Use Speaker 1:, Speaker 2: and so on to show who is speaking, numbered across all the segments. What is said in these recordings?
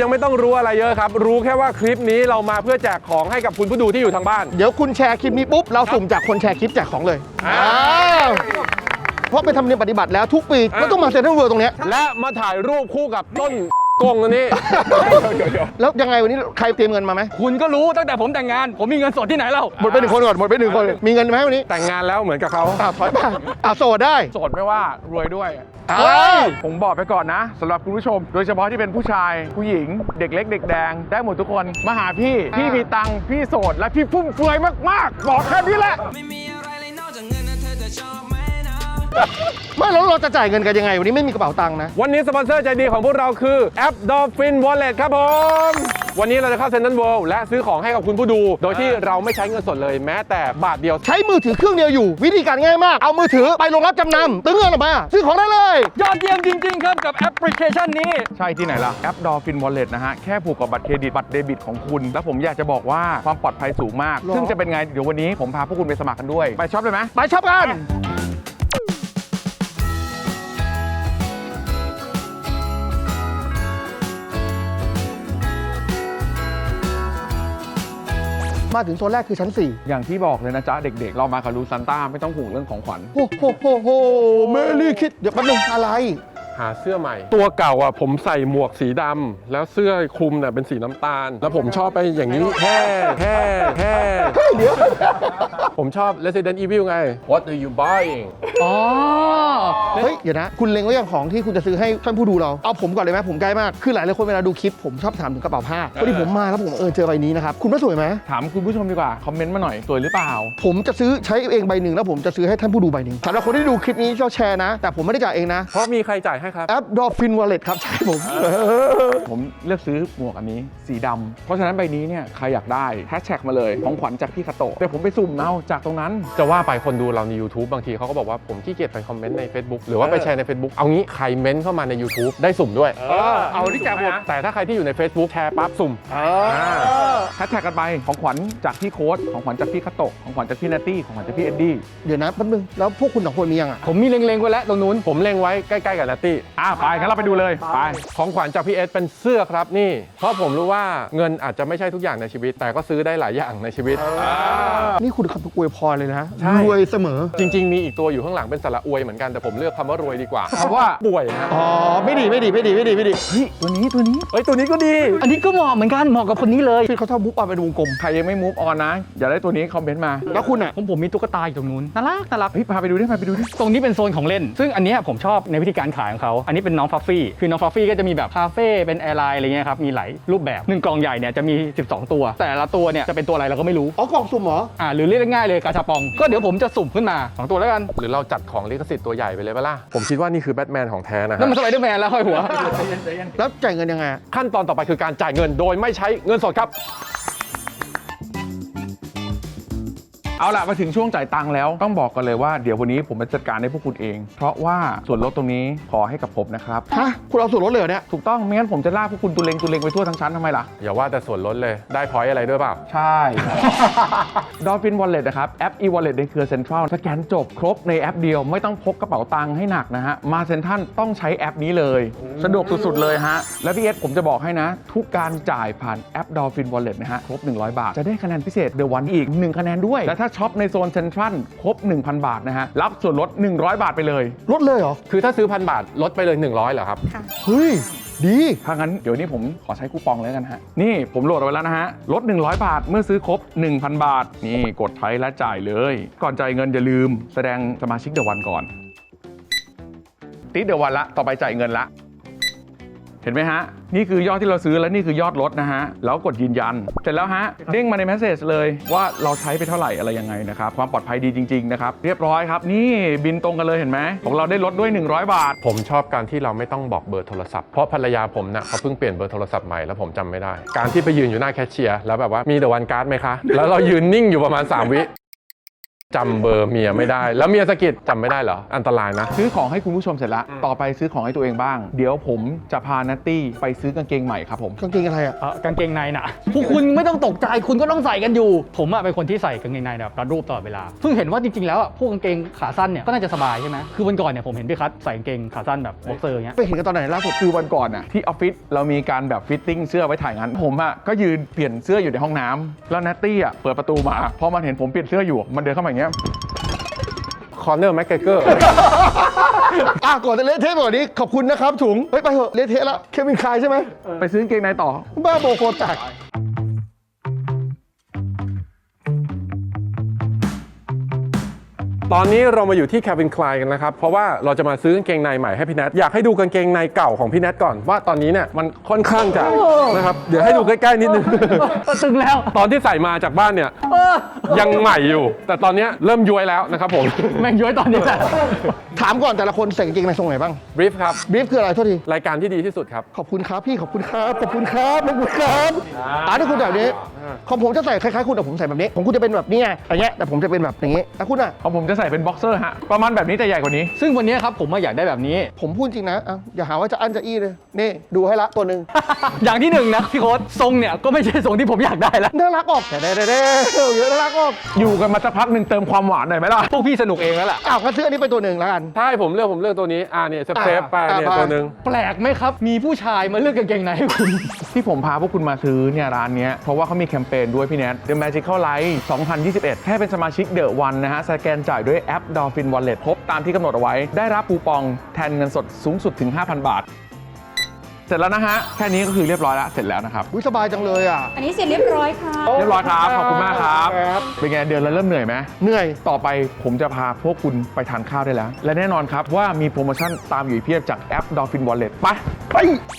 Speaker 1: ยังไม่ต้องรู้อะไรเยอะครับรู้แค่ว่าคลิปนี้เรามาเพื่อแจกของให้กับคุณผู้ดูที่อยู่ทางบ้าน
Speaker 2: เดี๋ยวคุณแชร์คลิปนี้ปุ๊บเราสุ่มจากคนแชร์คลิปแจกของเลยเพราะเป็นธรรมเนียมปฏิบัติแล้วทุกปีก็ต้องมาเซ็นทรัลเวิลด์ตรงนี้
Speaker 1: และมาถ่ายรูปคู่กับต้นกงอันนี้
Speaker 2: แล้วยังไงวันนี้ใครเตรียมเงินมาไหม
Speaker 3: คุณก็รู้ตั้งแต่ผมแต่งงานผมมีเงินสดที่ไหนเล่า
Speaker 2: หมดไป1 คนก่อนหมดไป1 คนมีเงินไหมวันนี้
Speaker 1: แต่งงานแล้วเหมือนกับเขา
Speaker 2: ถอยไปโสดได้
Speaker 4: โสดไม่ว่ารวยด้วยผมบอกไปก่อนนะสำหรับคุณผู้ชมโดยเฉพาะที่เป็นผู้ชายผู้หญิงเด็กเล็กเด็กแดงได้หมดทุกคนมาหาพี่มีตังค์พี่โสดและพี่ฟุ่มเฟือยมากๆบอกแค่นี้แหละ
Speaker 5: ไม่มีอะไรเลยนอกจากเงินนะเธอจะชอบไหมนะ
Speaker 2: ไม่แล้วเราจะจ่ายเงินกันยังไงวันนี้ไม่มีกระเป๋าตังค์นะ
Speaker 1: วันนี้สปอนเซอร์ใจดีของพวกเราคือแอป Dolphin Wallet ครับผมวันนี้เราจะเข้าเซ็นทรัลเวิลด์และซื้อของให้กับคุณผู้ดูโดยที่เราไม่ใช้เงินสดเลยแม้แต่บาทเดียว
Speaker 2: ใช้มือถือเครื่องเดียวอยู่วิธีการง่ายมากเอามือถือไปโรงรับจำนำตึ้งเงินออกมาซื้อของได้เลย
Speaker 3: ยอดเยี่ยมจริงๆครับกับแอปพลิเคชันนี้
Speaker 4: ใช่ที่ไหนล่ะแอป Dolphin Wallet นะฮะแค่ผูกกับบัตรเครดิตบัตรเดบิตของคุณแล้วผมอยากจะบอกว่าความปลอดภัยสูงมากซึ่งจะเป็นไงเดี๋ยววันนี้ผมพาพวกคุณไปสมัครกันด้วยไปช็อปเลยไหม
Speaker 2: ไปช็อปกันมาถึงโซนแรกคือชั้น4
Speaker 4: อย่างที่บอกเลยนะจ๊ะเด็กๆเรามากับลูซันต้าไม่ต้องห่วงเรื่องของขวัญ
Speaker 2: โโหเมลี่คิดเดี๋ยวแป๊บนึงอะไร
Speaker 1: หาเสื้อใหม่ตัวเก่าอ่ะผมใส่หมวกสีดำแล้วเสื้อคลุมเนี่ยเป็นสีน้ำตาลแล้วผมชอบไปอย่างนี้แค่
Speaker 2: เดี๋ยว
Speaker 1: ผมชอบ Resident Evil ไง What are you buying
Speaker 2: เฮ้ยเดี๋ยวนะคุณเล็งไว้อย่างของที่คุณจะซื้อให้ท่านผู้ดูเราเอาผมก่อนเลยไหมผมใกล้มากคือหลายคนเวลาดูคลิปผมชอบถามถึงกระเป๋าผ้าพอดีผมมาแล้วผมเจอใบนี้นะครับคุณว่าสวยไหม
Speaker 4: ถามคุณผู้ชมดีกว่าคอมเมนต์มาหน่อยสวยหรือเปล่า
Speaker 2: ผมจะซื้อใช้เองใบหนึ่งแล้วผมจะซื้อให้ท่านผู้ดูใบหนึ่งสำหรับคนที่ดูคลิปนี้ชอบแชร์นะแต่ผมไม่ได้จ่ายเองนะ
Speaker 1: เพราะมีใครจ่ายให้ครับ
Speaker 2: แอป Dolphin Wallet ครับใช่
Speaker 4: ผมเลือกซื้อหมวกอันนี้สีดำเพราะฉะนั้นใบนี้เนี่ยใครอยากได้แฮชแท็กมาเลยของขวัญจากพี่คาโตะแต่ผมไปสุ่มเอาจากตรงนั้น
Speaker 1: จะว่าไปคนดูเราใน YouTube บางทีเขาก็บอกว่าผมขี้เกียจไปคอมเมนต์ใน Facebook หรือว่าไปแชร์ใน Facebook เอางี้ใครเม้นเข้ามาใน YouTube ได้สุ่มด้วย
Speaker 4: เอาที่แจกหมด
Speaker 1: แต่ถ้าใครที่อยู่ใน Facebook แชร์ปั๊บสุ่ม
Speaker 4: แฮชแท็กกันไปของขวัญจากพี่โค้ดของขวัญจากพี่คาโตะของขวัญจากพี่นัตตี้ของขวัญจากพี่เอ็ดดี้
Speaker 2: เดี๋ยวนะแป๊บนึงแล้วพวกคุณ2 คนมียังอ่ะ
Speaker 3: ผมมีเล็งๆไว้แล้วตรงนู้น
Speaker 1: ผมเล็งไว้ใกล้ๆกับนัตตี้
Speaker 4: ไปงั้นเราไปดูเลยไป
Speaker 1: ของขวัญจากพี่เอสเป็นเสื้อครับนี่เพราะผมรู้ว่าเงินอาจจะไม่ใช่ทุกอย่างในชีวิตแต่ก็ซื้อได้หลายอย่างในชีวิต
Speaker 2: นี่คุณคำอวยพรเลยนะรวยเสมอ
Speaker 1: จริงๆมีอีกตัวอยู่ข้างหลังเป็นสระอวยเหมือนกันแต่ผมเลือกคำว่ารวยดีกว่าคำว่าป่วยนะ
Speaker 2: ไม่ดีเฮ้ยตัวนี้
Speaker 1: ตัวนี้ก็ดี
Speaker 3: อันนี้ก็เหมาะเหมือนกันเหมาะกับคนนี้เลย
Speaker 2: พี่เขาชอบมุกออนเป็นวงกลม
Speaker 4: ใครยังไม่มูฟออนนะอย่าได้ตัวนี้คอมเมนต์มา
Speaker 2: แล้วคุณอ่ะ
Speaker 3: ผมมีตุ๊กตาอยู่ตรงนู้นน่ารัก
Speaker 4: พาไปดูดิ
Speaker 3: ตรงนี้เป็นโซนของเล่นซึ่งอันนี้ผมชอบในวิธีการขายของเขาอันนี้เป็นน้องฟัฟฟี่คือน้องฟัฟฟี่ก็จะมีแบบคาเฟ่เป็นแอร์ไลน์อะไรเงี้ยครับมีหลายรูปแบบ1 กล่องใหญ่เนี่ยจะมี12 ตัวแต่ละตัวเนี่ยจะเป็นตัวอะไรเราก็ไม่รู้
Speaker 2: กล่องสุ่มเหรอ
Speaker 3: หรือเรียกง่ายเลยกาชาปองก็เดี๋ยวผมจะสุ่มขึ้นมา2 ตัวแล้วกัน
Speaker 1: หรือเราจัดของลิขสิทธิ์ตัวใหญ่ไปเลยป่ะล่ะผมคิดว่านี่คือแบทแมนของแท้นะ
Speaker 3: นั่นมันสไปเดอร์แมนแล้วห้อยหัว
Speaker 2: แล้วจ่ายเงินยังไง
Speaker 1: ขั้นตอนต่อไปคือการจ่ายเงินโดยไม่ใช้เงินสดครับ
Speaker 4: เอาล่ะมาถึงช่วงจ่ายตังค์แล้วต้องบอกกันเลยว่าเดี๋ยววันนี้ผมจะจัดการให้พวกคุณเองเพราะว่าส่วนลดตรงนี้ขอให้กับผมนะครับ
Speaker 2: คุณเอาส่วนลดเลยเนี่ย
Speaker 4: ถูกต้องไม่งั้นผมจะลากพวกคุณตุเลงไปทั่วทั้งชั้นทำไมล่ะ
Speaker 1: อย่าว่าแต่ส่วนลดเลยได้พอยต์อะไรด้วยเปล่า
Speaker 4: ใช่ Dolphin Wallet นะครับแอป e-wallet ในเครือ Central สแกนจบครบในแอปเดียวไม่ต้องพกกระเป๋าตังค์ให้หนักนะฮะมาเซ็นทรัลต้องใช้แอปนี้เลยสะดวกสุดๆเลยฮะและพี่เอสผมจะบอกให้นะทุกการจ่ายผ่านแอป Dolphin Wallet นะฮะครบ100 บาทจะได้คะแนนพิเศษ The One อีก1คะแนนด้วยและถ้าช็อปในโซนเซ็นทรัลครบ 1,000 บาทนะฮะรับส่วนลด100 บาทไปเลย
Speaker 2: ลดเลยเหรอ
Speaker 1: คือถ้าซื้อ1,000 บาทลดไปเลย100เหรอครับ
Speaker 2: ค่ะเฮ้ยดี
Speaker 4: ถ้างั้นเดี๋ยวนี้ผมขอใช้คูปองเลยกันฮะนี่ผมโหลดเอาไว้แล้วนะฮะลด100 บาทเมื่อซื้อครบ 1,000 บาทนี่กดใช้และจ่ายเลยก่อนจ่ายเงินอย่าลืมแสดงสมาชิกเดอะวันก่อนติดเดอะวันละต่อไปจ่ายเงินละเห็นไหมฮะนี่คือยอดที่เราซื้อและนี่คือยอดลดนะฮะแล้วกดยืนยันเสร็จแล้วฮะเด้งมาในเมสเซจเลยว่าเราใช้ไปเท่าไหร่อะไรยังไงนะครับความปลอดภัยดีจริงๆนะครับเรียบร้อยครับนี่บินตรงกันเลยเห็นไหมของเราได้ลดด้วย100 บาท
Speaker 1: ผมชอบการที่เราไม่ต้องบอกเบอร์โทรศัพท์เพราะภรรยาผมเนี่ยเขาเพิ่งเปลี่ยนเบอร์โทรศัพท์ใหม่แล้วผมจำไม่ได้การที่ไปยืนอยู่หน้าแคชเชียร์แล้วแบบว่ามีเดอะวันการ์ดไหมคะแล้วเรายืนนิ่งอยู่ประมาณ3 วิจำเบอร์เมียไม่ได้ แล้วเมียสะกิดจำไม่ได้เหรอ อันตรายนะ
Speaker 4: ซื้อของให้คุณผู้ชมเสร็จแล้วต่อไปซื้อของให้ตัวเองบ้าง เดี๋ยวผมจะพานัตตี้ไปซื้อกางเกงใหม่ครับผม
Speaker 2: กางเกงอะไรอ่ะ
Speaker 3: กางเกงในน่ะ พวกคุณไม่ต้องตกใจคุณก็ต้องใส่กันอยู่ ผมอะเป็นคนที่ใส่กางเกงในแบบรัดรูปตลอดเวลาเพิ่งเห็นว่าจริงๆแล้วอะพวกกางเกงขาสั้นเนี่ยก็น่าจะสบายใช่ไหมคือวันก่อนเนี่ยผมเห็นพี่คัทใส่กางเกงขาสั้นแบบบ็อกเซอร์อย่างเงี้ย
Speaker 2: ไปเห็นกันตอนไหนล่าสุด
Speaker 4: คือวันก่อนน่ะที่ออฟฟิศเรามีการแบบฟิตติ้งเสื้อไว้ถ่ายงานผมอ่ะก็ยืนเปลี่ยนเสื้ออยู่ในห้องน้ำแล้วนัตตี้อ่ะเปิดประตูมาพอมันเห็นผมเปลี่ยนเสื้ออยู่มันเดินเข้ามาอย่างเงี้ย
Speaker 1: คอนเนอร์แม็กเกอร์
Speaker 2: ก่อนจะเละเทะแบบนี้ขอบคุณนะครับถุงเฮ้ยไปเถอะเละเทะแล้วเควินคายใช่ไหม
Speaker 4: ไปซื้อกางเกงในต่อ
Speaker 2: บ้าโบโคแตก
Speaker 1: ตอนนี้เรามาอยู่ที่ Calvin Klein กันนะครับ เพราะว่าเราจะมาซื้อกางเกงในใหม่ให้พี่แนทอยากให้ดูกางเกงในเก่าของพี่แนทก่อนว่าตอนนี้เนี่ยมันค่อนข้างจะนะครับเดี๋ยวให้ดูใกล้ๆนิดนึง
Speaker 3: ตึงแล้ว
Speaker 1: ตอนที่ใส่มาจากบ้านเนี่ยยังใหม่อยู่ แต่ตอนนี้เริ่มย้วยแล้วนะครับผม
Speaker 3: แม่งย้อยตอนนี้แหละ
Speaker 2: ถามก่อนแต่ละคนใส่กางเกงในทรงไหนบ้าง
Speaker 1: บรีฟครับ
Speaker 2: บรีฟคืออะไรโทษที
Speaker 1: รายการที่ดีที่สุดครับ
Speaker 2: ขอบคุณครับพี่ขอบคุณครับขอบคุณครับขอบคุณครับที่คุณแบบนี้ของผมจะใส่คล้ายๆคุณแต่ผมใส่แบบนี้ผมคุณจะเป็นแบบนี้ไงอย่างเงี้ยแต่ผมจะเป็นแบบอย่างงี้แล้วคุณอ่ะ
Speaker 4: ของผมจะใส่เป็นบ็อกเซอร์ฮะประมาณแบบนี้แต่ใหญ่กว่านี้
Speaker 3: ซึ่งวันนี้ครับผมอยากได้แบบนี้
Speaker 2: ผมพูดจริงนะอย่าหาว่าจะอั้นจะอี้เลยนี่ดูให้ละตัวหนึ่ง
Speaker 3: อย่างที่หนึ่งนะพี่โค้ดทรงเนี่ยก็ไม่ใช่ทรงที่ผมอยากได้แล้ว
Speaker 2: น่ารักออกแต่เด้เยอะน่ารักออก
Speaker 4: อยู่กันมาสักพักหนึ่งเติมความหวานหน่อยไหมล่ะ
Speaker 3: พวกพี่สนุกเองแล้วล่ะ
Speaker 2: ก็ซื้ออันนี้ไปตัวหนึ่งแล้วกัน
Speaker 1: ใช่ผมเลือกตัวนี้เนี่ยเซฟไปเนี่ยตัวหนึ่ง
Speaker 3: แปลกไหมครับ มีผู้ชายมาเลือกกางเกงในให้คุณ
Speaker 4: ที่ผมพาพวกคุณมาซื้อเนี่ยร้านเนี้ยเพราะว่าเขามีแคมเปญด้วยพี่แนท The Magical Life 2021 แค่เป็นสมาชิก The One นะฮะสแกนจ่ายด้วยแอป Dolphin Wallet ครบตามที่กำหนดเอาไว้ได้รับคูปองแทนเงินสดสูงสุดถึง 5,000 บาท เสร็จแล้วนะฮะแค่นี้ก็คือเรียบร้อยแล้วเสร็จแล้วนะครับ
Speaker 2: สบายจังเลยอ่ะ
Speaker 6: อันนี้เสร็จเรียบร้อยค่ะ
Speaker 4: เรียบร้อยครับขอบคุณมากครับเป็นไงเดือนแล้วเริ่มเหนื่อยไหม
Speaker 2: เหนื่อย
Speaker 4: ต่อไปผมจะพาพวกคุณไปทานข้าวได้แล้ว และแน่นอนครับว่ามีโปรโมชั่นตามอยู่เพียบจากแอป Dolphin Wallet ไป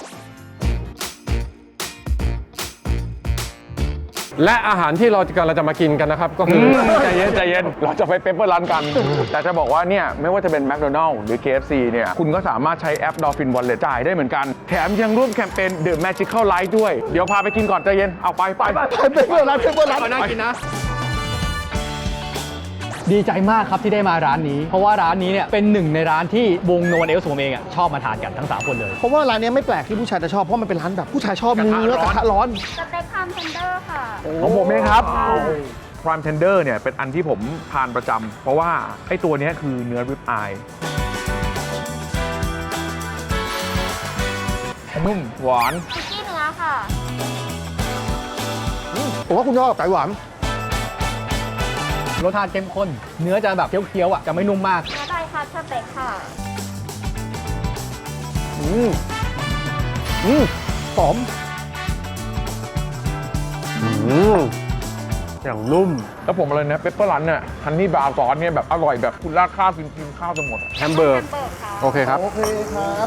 Speaker 1: และอาหารที่เรากำลังจะมากินกันนะครับก็คือ
Speaker 4: ใจเย็นเราจะไปเปปเปอร์รันกัน แต่จะบอกว่าเนี่ยไม่ว่าจะเป็น McDonald's หรือ KFC เนี่ยคุณก็สามารถใช้แอป Dolphin Wallet จ่ายได้เหมือนกัน แถมยังร่วมแคมเปญ The Magical Life ด้วย เดี๋ยวพาไปกินก่อนใจเย็นเอาไป
Speaker 2: ไปเปิดร้าน
Speaker 3: น่ากินนะ ดีใจมากครับที่ได้มาร้านนี้ เพราะว่าร้านนี้เนี่ยเป็นหนึ่งในร้านที่วงโนวันเอลส์ผมเองชอบมาทานกันทั้ง 3 คนเลย
Speaker 2: เพราะว่าร้านนี้ไม่แปลกที่ผู้ชายจะชอบ เพราะมันเป็นร้านแบบผู้ชายชอบเนื้อกระทะร้อน
Speaker 6: สเต็กคามเทนเดอร์ค่ะ
Speaker 4: ของผมเองครับ Prime Tender เนี่ยเป็นอันที่ผมทานประจำเพราะว่าไอ้ตัวเนี้ยคือเนื้อริบอายนุ่มหวาน
Speaker 6: คุกกี้เนื้อค่ะ
Speaker 2: ผมว่าคุณชอบไก่หวาน
Speaker 3: รสชาติเข้มข้น เนื้อจะแบบเคี้ยวๆจะไม่นุ่มมาก
Speaker 6: เนื้อไดคัตสเต็กค่ะ
Speaker 2: หอม
Speaker 1: อย่างนุ่ม
Speaker 4: แล้วผมอะไรนะเปปเปอร์รันเนี่ยฮันนี่บาร์ซอสเนี่ยแบบอร่อยแบบคุณราดข้าวกินข้าวจะหมด
Speaker 1: แฮมเบอร์ก
Speaker 6: เบิร์กค่ะ
Speaker 1: โอเคครับ
Speaker 2: โอเคครับ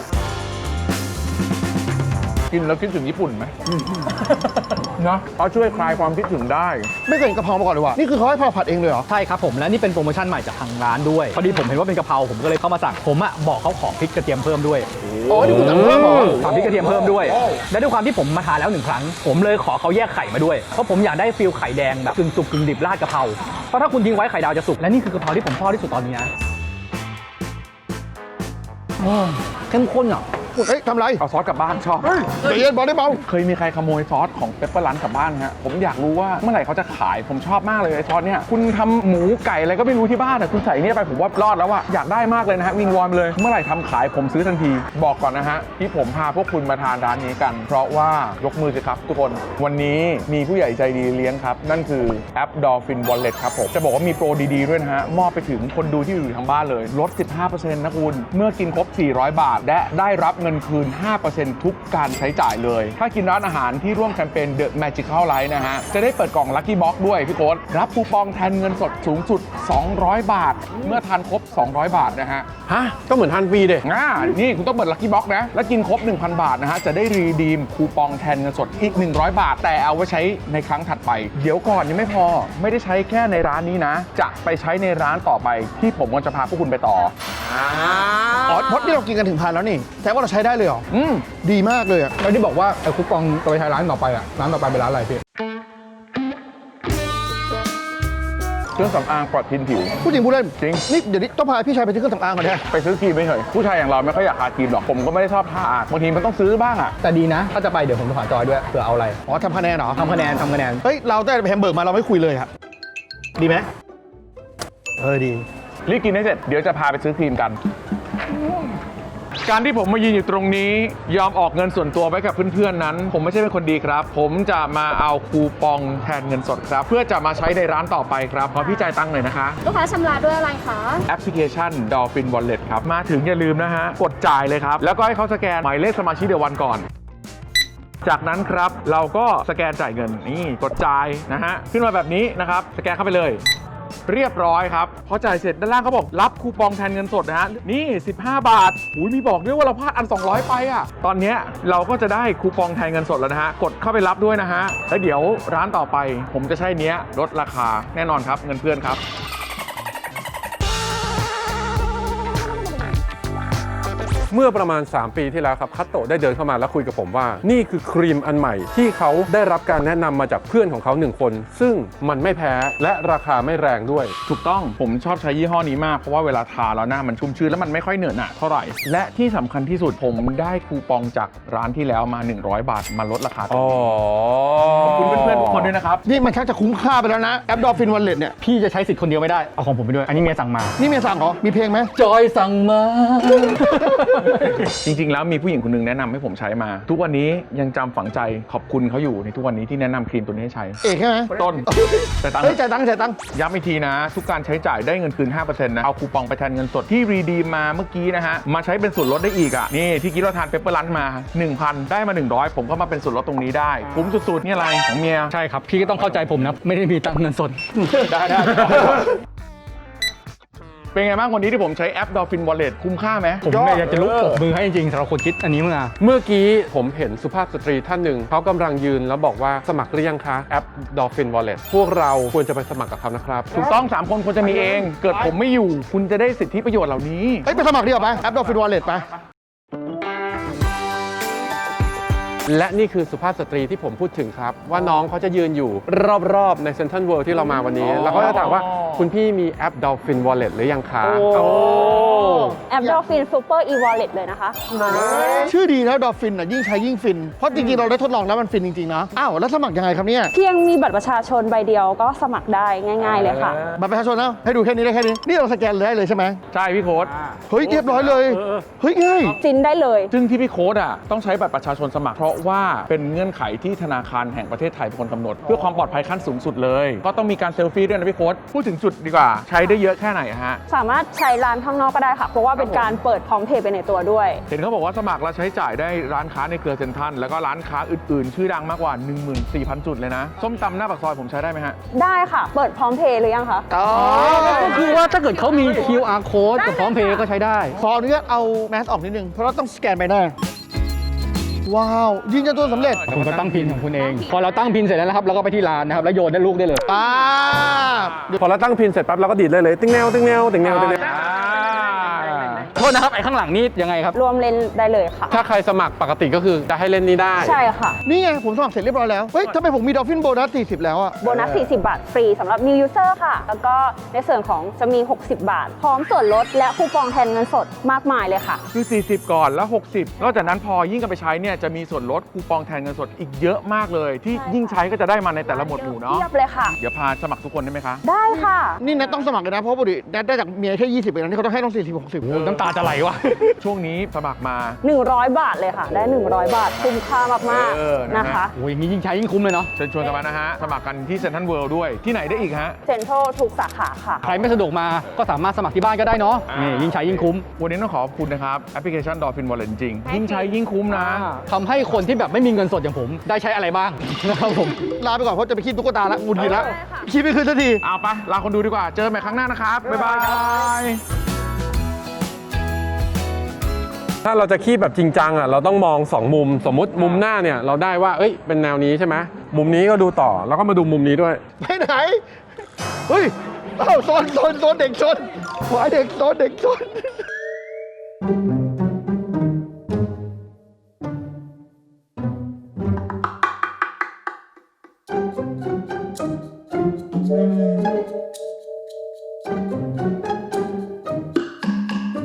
Speaker 4: กินแล้วคิดถึงญี่ปุ่นไหมนะเขาช่วยคลายความคิดถึงได้
Speaker 2: ไม่เคยเห็นกะเพรามาก่อนเลยว่ะ นี่คือเขาให้เราผัดเองเลยเหรอ
Speaker 3: ใช่ครับผมและนี่เป็นโปรโมชั่นใหม่จากทางร้านด้วย พอดีผมเห็นว่าเป็นกะเพราผมก็เลยเข้ามาสั่งผมบอกเขาขอพริกกระเทียมเพิ่มด้วย
Speaker 2: อ๋อ นี่คุณสั่งเพิ่มเหรอ
Speaker 3: สั่งพริกกระเทียมเพิ่มด้วย และด้วยความที่ผมมาทานแล้ว1 ครั้ง ผมเลยขอเขาแยกไข่มาด้วย เพราะผมอยากได้ฟิลไข่แดงแบบกึ่งสุกกึ่งดิบราดกะเพราเพราะถ้าคุณทิ้งไว้ไข่ดาวจะสุกและนี่คือกะเพราที่ผมชอบที่สุดตอนนี้นะเข้มข้นอ่ะ
Speaker 2: เฮ้ยทำไร
Speaker 4: เอาซอสกลับบ้านชอบ
Speaker 2: ใจเย็นบอกได้เบา
Speaker 4: เคยมีใครขโมยซอสของเปปเปอร์รันกลับบ้านฮะผมอยากรู้ว่าเมื่อไหร่เขาจะขายผมชอบมากเลยไอ้ซอสเนี่ยคุณทำหมูไก่อะไรก็ไม่รู้ที่บ้านอะคุณใส่เนี่ยไปผมว่ารอดแล้วอะอยากได้มากเลยนะฮะวิงวอนเลยเมื่อไหร่ทำขายผมซื้อทันทีบอกก่อนนะฮะที่ผมพาพวกคุณมาทานร้านนี้กัน เพราะว่ายกมือสิครับทุกคนวันนี้มีผู้ใหญ่ใจดีเลี้ยงครับนั่นคือแอป Dolphin Wallet ครับผมจะบอกว่ามีโปรดีๆด้วยนะฮะมอบไปถึงคนดูที่อยู่ทางบ้านเลยลด 15% นะคุณเมื่อกินครบ400 บาทและได้รับเงินคืน 5% ทุกการใช้จ่ายเลยถ้ากินร้านอาหารที่ร่วมแคมเปญ The Magical Life นะฮะจะได้เปิดกล่อง Lucky Box ด้วยพี่โค้ดรับคูปองแทนเงินสดสูงสุด200 บาทเมื่อทานครบ200 บาทนะฮะ
Speaker 1: ฮะ ก็เหมือนทานฟรีเด้
Speaker 4: นี่คุณต้องเปิด Lucky Box นะแล้วกินครบ 1,000 บาทนะฮะจะได้รีดีมคูปองแทนเงินสดอีก100 บาทแต่เอาไว้ใช้ในครั้งถัดไปเดี๋ยวก่อนยังไม่พอไม่ได้ใช้แค่ในร้านนี้นะจะไปใช้ในร้านต่อไปที่ผมก็จะพาพวกคุณไปต่อ
Speaker 2: อ๋อพดนี่เรากินกันถึงพันแล้วนี่แต่ว่าเราใช้ได้เลยเหรอ ดีมากเลยอ่ะ
Speaker 3: แล้วที่บอกว่าไอ้คูปองตัวไปใช้ร้านต่อไปอ่ะร้านต่อไปเป็นร้านอะไรพี่
Speaker 4: เครื่องสำอางปลอดพิษผิว
Speaker 2: พูดจริงพูดเล่น
Speaker 4: จริง
Speaker 2: นี่เดี๋ยวนี้ต้องพาพี่ชายไปซื้อเครื่องสำอางก่อนเนี่ย
Speaker 4: ไปซื้อครีมไม่เฉยผู้ชายอย่างเราไม่ค่อยอยากทาครีมหรอกผมก็ไม่ได้ชอบทาบางทีมันต้องซื้อบ้างอ่ะ
Speaker 3: แต่ดีนะ ถ้าจะไปเดี๋ยวผมโทรหาจอยด้วยเผื่อเอาอะไร
Speaker 2: อ๋อทำคะแนนเหรอ
Speaker 3: ทำคะแนน
Speaker 2: เฮ้ยเราได้ไปแฮมเบอร์กมาเราไม่คุยเลยครับดีไหมดี
Speaker 4: รีบกินให้เสร็จเดี๋ยวจะพาไปซื้อครีมกัน การที่ผมมายืนอยู่ตรงนี้ยอมออกเงินส่วนตัวไว้กับเพื่อนๆนั้น ผมไม่ใช่เป็นคนดีครับ ผมจะมาเอาคูปองแทนเงินสดครับ เพื่อจะมาใช้ในร้านต่อไปครับขอพี่จ่ายตังค์หน่อยนะคะ
Speaker 6: ลูกค้าชำระด้วยอะไรคะ
Speaker 4: แอปพลิเคชัน Dolphin Wallet ครับ มาถึงอย่าลืมนะฮะ กดจ่ายเลยครับ แล้วก็ให้เขาสแกนหมายเลขสมาชิกเดวันก่อน จากนั้นครับเราก็สแกนจ่ายเงินนี่กดจ่ายนะฮะขึ้นมาแบบนี้นะครับสแกนเข้าไปเลยเรียบร้อยครับพอจ่ายเสร็จด้านล่างเขาบอกรับคูปองแทนเงินสดนะฮะนี่15 บาทมีบอกด้วยว่าเราพลาดอัน 200 ไปอ่ะตอนเนี้ยเราก็จะได้คูปองแทนเงินสดแล้วนะฮะกดเข้าไปรับด้วยนะฮะแล้วเดี๋ยวร้านต่อไปผมจะใช้เนี้ยลดราคาแน่นอนครับเงินเพื่อนครับ
Speaker 1: เมื่อประมาณ 3 ปีที่แล้วครับคัตโตะได้เดินเข้ามาแล้วคุยกับผมว่านี่คือครีมอันใหม่ที่เขาได้รับการแนะนำมาจากเพื่อนของเขา1 คน ซึ่งมันไม่แพ้และราคาไม่แรงด้วย
Speaker 4: ถูกต้องผมชอบใช้ยี่ห้อนี้มากเพราะว่าเวลาทาแล้วหน้ามันชุ่มชื้นแล้วมันไม่ค่อยเหนอะหนะเท่าไหร่และที่สำคัญที่สุดผมได้คูปองจากร้านที่แล้วมา100 บาทมาลดราคา
Speaker 1: อ๋อ
Speaker 4: ขอบคุณเพื่อนๆทุกคนด้วยนะครับ
Speaker 2: นี่มันชักจะคุ้มค่าไปแล้วนะแอป Dolphin Wallet เนี่ย
Speaker 3: พี่จะใช้สิทธิ์คนเดียวไม่ได้ เอาของผมไปด้วย อันนี้เมียสั่งมา
Speaker 2: นี่เมียสั่งเหรอมีเพลงไหม
Speaker 3: จอยสั่งมา
Speaker 4: จริงๆแล้วมีผู้หญิงคนหนึงแนะนำให้ผมใช้มา ทุกวันนี้ยังจำฝังใจขอบคุณเขาอยู่ในทุกวันนี้ที่แนะนำครีมตัวนี้ให้ใช้
Speaker 2: เอกใช่ไหม
Speaker 4: ต้นแต่ตังค์
Speaker 2: เฮ้ยจ่ายตังค์
Speaker 4: ย้ำอีกทีนะ ทุกการใช้จ่ายได้เงินคืน 5% นะ เอาคูปองไปแทนเงินสดที่รีดีมมาเมื่อกี้นะฮะ มาใช้เป็นส่วนลดได้อีกอ่ะ นี่ที่คิดว่าทานเปปเปอร์ลันมา 1,000 ได้มา 100 ผมก็มาเป็นส่วนลดตรงนี้ได้คุ้มสุดๆนี่อะไรของเมีย
Speaker 3: ใช่ครับ พี่ก็ต้องเข้าใจผมนะ ไม่ได้มีตังค์เงินสด
Speaker 4: ได้ เป็นไงบ้างวันนี้ที่ผมใช้แอป Dolphin Wallet คุ้มค่าไหม
Speaker 3: ผมเนี่ยอยากจะลุกปรบมือให้จริงๆสำหรับคนคิดอันนี้มา
Speaker 1: เมื่อกี้ผมเห็นสุภาพสตรีท่านหนึ่งเขากำลังยืนแล้วบอกว่าสมัครหรือยังคะแอป Dolphin Wallet พวกเราควรจะไปสมัครกับเขานะครับ
Speaker 4: ถูกต้อง 3 คนควรจะมีเอง เกิดผมไม่อยู่ คุณจะได้สิทธิประโยชน์เหล่านี้
Speaker 2: เฮ้ยไปสมัครดีกว่าไปแอป Dolphin Wallet ไป
Speaker 1: และนี่คือสุภาพสตรีที่ผมพูดถึงครับ ว่าน้องเขาจะยืนอยู่รอบๆในเซ็นทรัลเวิลด์ที่เรามาวันนี้ แล้วก็จะถามว่าคุณพี่มีแอป Dolphin Wallet หรือยังคะโอ้
Speaker 6: แอป Dolphin Super e-wallet เลยนะคะ
Speaker 2: ชื่อดีแล้ว Dolphin น่ะยิ่งใช้ยิ่งฟิน เพราะจริงๆเราได้ทดลองแล้วมันฟินจริงๆนะอ้าวแล้วสมัครยังไงครับเนี่ย
Speaker 6: เพียงมีบัตรประชาชนใบเดียวก็สมัครได้ง่ายๆเลยค่ะ
Speaker 2: บัตรประชาชนนะให้ดูแค่นี้ได้แค่นี้นี่เราสแกนเลยได้เลยใช่ไหม
Speaker 4: ใช่พี่โค้ด
Speaker 2: เฮ้ยเรียบร้อยเลยเฮ้ยง่าย
Speaker 6: จินได้เลย
Speaker 4: ซึ่งที่พี่โค้ดอ่ะต้องใช้บัตรประชาชนสมัครเพราะว่าเป็นเงื่อนไขที่ธนาคารแห่งประเทศไทยเป็นคนกำหนด เพื่อความปลอดภัยขั้นสูงสุดเลย ก็ต้องมีการเซลฟี่ด้วยนะพี่โค้ดพูดถึงจุดดีกว่า ใช้ได้เยอะแค่ไหนอะฮะ
Speaker 6: สามารถใช้ร้านข้างนอกก็ได้ค่ะ เพราะว่าเป็นการเปิดพร้อมเพย์ไปในตัวด้วย
Speaker 4: เห็นเขาบอกว่าสมัครแล้วใช้จ่ายได้ร้านค้าในเครือเซ็นทรัลแล้วก็ร้านค้าอื่นๆ ชื่อดังมากกว่า 14,000 จุดเลยนะ ส้มตำหน้าปากซอยผมใช้ได้ไหมฮะ
Speaker 6: ได้ค่ะ เปิดพร้อมเพย์หรือยังคะ
Speaker 3: ก็คือว่าถ้าเกิดเขามี QR code กับพร้อมเพย์ก็ใช้ได้
Speaker 2: ขออนุญาตเอาแมสออกนิดนึงเพราะเราต้องสแกนใบหน้าว้าวยืนยันตัวสำเร็จ
Speaker 3: คุณก็ตั้งพินของคุณเอง พอเราตั้งพินเสร็จแล้วนะครับเราก็ไปที่ร้านนะครับแล้วโยนได้ลูกได้เลย
Speaker 1: พอเราตั้งพินเสร็จปั๊บเราก็ดีดเลยติ๊งแนวติ๊งแนวติ๊งแนวติ๊งแนว
Speaker 3: โทษนะครับไอ้ข้างหลังนี่ยังไงครับ
Speaker 6: รวมเลนได้เลยค่ะ
Speaker 1: ถ้าใครสมัครปกติก็คือจะให้เล่นนี้ได้
Speaker 6: ใช่ค่ะ
Speaker 2: นี่ไงผมสมัครเสร็จเรียบร้อยแล้วเฮ้ยทำไมผมมี Dolphin Bonus 40แล้วอะ
Speaker 6: โบนัส 40 บาทฟรีสำหรับ new user ค่ะ แล้วก็ในส่วนของจะมี 60 บาท พร้อมส่วนลดและคูปองแทนเงินสดมากมายเลยค่ะ
Speaker 4: คือ 40 ก่อนแล้ว 60 นอกจากนั้นพอยิ่งกันไปใช้เนี่ยจะมีส่วนลดคูปองแทนเงินสดอีกเยอะมากเลย ที่ยิ่งใช้ก็จะได้มาในแต่ละหมวดหมู่เนาะ
Speaker 6: เทียบเลยค่ะ
Speaker 4: เดี๋ยวพาสมัครทุกคนได้ไหมคะ
Speaker 6: ได้ค่ะ
Speaker 2: นี่แนทต้องสมัครเลยนะเพราะปกติแนทได้จากเมียแค่20เองนะนี่เขาต้องให้ต้อง40 60
Speaker 3: โอ้น้ำตาจะไหลวะ
Speaker 4: ช่วงนี้สมัครมา
Speaker 6: 100 บาทเลยค่ะ ได้ 100 บาท คุ้มค่ามาก
Speaker 4: นะ
Speaker 6: ๆ
Speaker 4: ฮะ
Speaker 6: นะคะ
Speaker 3: โอ้ยอย่างนี้ยิ่งใช้ยิ่งคุ้มเลยเนาะ
Speaker 4: เชิญชวนกันมานะฮะ สมัครกันที่เซ็นทรัลเวิลด์ด้วยที่ไหนได้อีกฮะ
Speaker 6: เซ็นทรัลทุกสาขาค่ะ
Speaker 3: ใครไม่สะดวกมาก็สามารถสมัครที่บ้านก็ได้เนาะนี่ยิ่งใช้ยิ่งคุ้ม
Speaker 4: วันนี้ต้องขอบคุณนะครับแอปพลิเคชัน Dolphin Wallet จริงๆยิ่งใช้ยิ่งคุ้มนะ
Speaker 3: ทำให้คนที่แบบไม่มีเงินสดอย่างผมได้ใช้อะไรบ้าง นะครับผม
Speaker 2: ลาไปก่อนเพราะจะไปคิดตุ๊กตาละงุนงิดละ
Speaker 6: ได้ค่ะ
Speaker 2: คิดไม่คืนสักที
Speaker 4: เอาไปลาคนดูดีกว่าเจอกันใหม่ครั้งหน้านะครับบ๊ายบาย
Speaker 1: ถ้าเราจะคีบแบบจริงจังอ่ะเราต้องมอง 2 มุม สมมุติมุมหน้าเนี่ยเราได้ว่าเอ้ยเป็นแนวนี้ใช่ไหมมุมนี้ก็ดูต่อแล้วก็มาดูมุมนี้ด้วย
Speaker 2: ไปไหน เฮ้ยเอ้าโซนเด็กโซนหัวเด็กโซนเด็กโซน